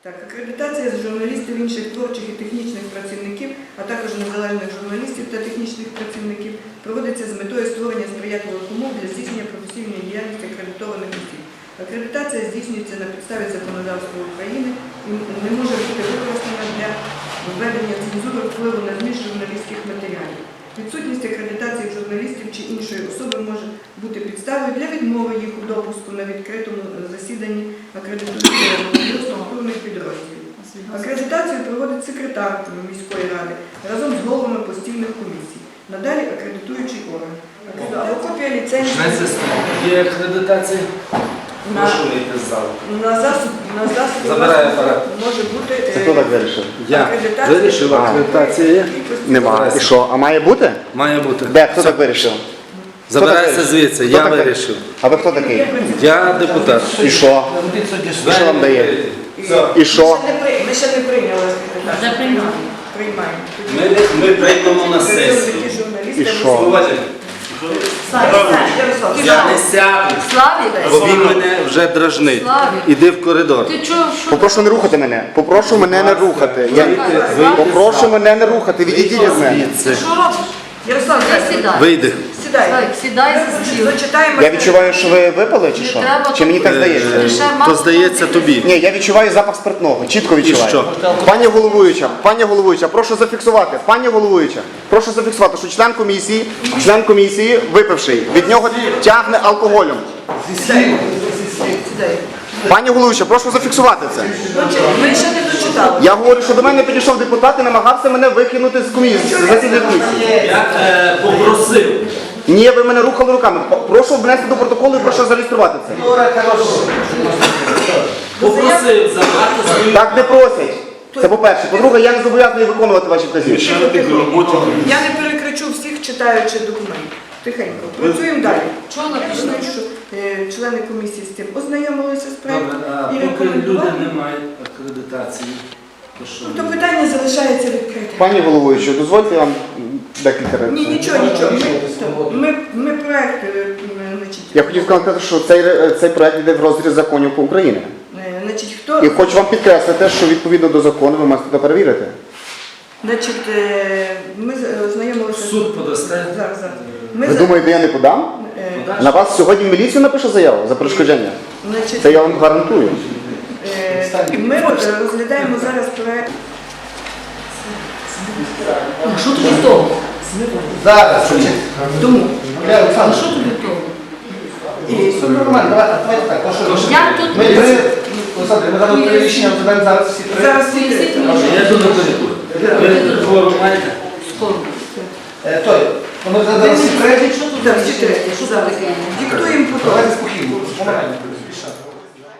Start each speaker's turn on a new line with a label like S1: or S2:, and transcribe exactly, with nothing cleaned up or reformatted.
S1: Так, акредитація з журналістів, інших творчих і технічних працівників, а також незалежних журналістів та технічних працівників проводиться з метою створення сприятливих умов для здійснення професійної діяльності акредитованих осіб. Акредитація здійснюється на підставі законодавства України і не може бути використана для введення цензури впливу на зміст журналістських матеріалів. Відсутність акредитації журналістів чи іншої особи може бути підставою для відмови їх у допуску на відкритому засіданні акредитуючого структурних підрозділів. Акредитацію проводить секретар міської ради разом з головами постійних комісій. Надалі акредитуючий орган. Копія ліцензії.
S2: Є акредитація?
S1: На,
S2: Прошу вийти з залу.
S1: на засіб, на засіб
S2: Забирає апарат.
S1: може бути
S3: Це хто так вирішив?
S2: Я
S1: акредитація.
S2: вирішив, акредитація є?
S3: Нема. І що? А має бути?
S2: Має бути.
S3: Де? Хто так вирішив?
S2: Забирайся звідси,
S3: Хто
S2: я
S3: так
S2: вирішив.
S3: А ви хто такий?
S2: Я депутат.
S3: І що? І що вам дає? І що?
S1: Ми ще не, при- ми ще не прийняли акредитацію.
S4: Вже приймаємо.
S1: Приймаємо.
S2: Ми, ми прийдемо на
S1: Такі
S2: сесію.
S1: журналісти,
S3: І
S1: ми
S3: що?
S2: Уважайте,
S1: Ярослав,
S2: я не сяду,
S4: Славік,
S2: бо він мене вже дражнить.
S4: Славік.
S2: Іди в коридор.
S4: ти чого? Що?
S3: Попрошу не рухати мене. Попрошу мене не рухати. Я... Попрошу мене не рухати. Відійдіть від мене.
S2: Звідси.
S4: Що робиш?
S1: Ярослав,
S4: Ти сідай.
S2: Вийди.
S1: сідай.
S4: Славік, сідай за стіл.
S1: Зачитаємо.
S3: Я відчуваю, що ви випили чи
S4: Не
S3: що?
S4: треба
S3: Чи мені так
S4: тут-
S3: здається?
S4: Ти ще
S2: То
S4: мав-
S2: здається тобі.
S3: Ні, я відчуваю запах спиртного. Чітко відчуваю.
S2: що?
S3: Пані головуюча, пані головуюча, прошу зафіксувати. Пані головуюча, прошу зафіксувати, що член комісії, член комісії випивший, від нього тягне алкоголем.
S1: Сідай.
S3: Пані головуюча, прошу зафіксувати це.
S1: Ми ще не дочитали.
S3: Я говорю, що до мене підійшов депутат і намагався мене викинути з комісії, з засідання комісії.
S2: Я е, попросив.
S3: Ні, ви мене рухали руками. Прошу внести до протоколу і прошу зареєструвати це.
S2: Попросив забрати свою.
S3: Так не просять. Це по-перше. По-друге, я не зобов'язаний виконувати ваші вказівки.
S1: Я не перекричу всіх, читаючи документ. Тихенько. Працюємо далі.
S4: Чого написано?
S1: Написано, що е, члени комісії з цим ознайомилися з
S2: Добре,
S1: проектом
S2: а
S1: і
S2: поки люди
S1: рекомендували.
S2: не мають акредитації, то що?
S1: Ну, то питання залишається відкритим.
S3: Пані головуюча, дозвольте я вам декілька разів.
S1: Ні, нічого, нічого. Ми, ми, ми проект, е, значить,
S3: Я хотів сказати, що цей, цей проект йде в розріз законів України.
S1: е, значить, хто,
S3: І хочу вам підкреслити, що відповідно до закону ви маєте це перевірити.
S1: значить, е, ми з- ознайомилися.
S2: В суд подасте?
S1: Зараз, зараз. Ми
S3: Ви
S1: за-
S3: думаєте, я не подам?
S1: е,
S3: На вас сьогодні в міліцію напише заяву за перешкодження?
S1: значить,
S3: Це я вам гарантую.
S1: е, ми роз- розглядаємо зараз проект.
S4: А що тобі того?
S5: Зараз.
S1: Тому.
S5: Бля,
S4: А
S5: Олександр,
S4: що тобі того?
S1: І,
S5: все нормально, давайте, давайте так. то що-
S4: Як тут?
S5: Ми три, Олександр, ми зараз три рішення розглядаємо зараз всі три.
S1: зараз всі
S4: Поясніть
S1: три.
S4: мені,
S2: Я йду на коридор. Ви форум маєте?
S4: Скоро.
S5: Е, Той, ми розглядаємо
S1: Ви
S5: всі
S1: мені
S5: три.
S1: скажіть, що тут
S4: Так,
S1: всі три?
S4: Що це таке?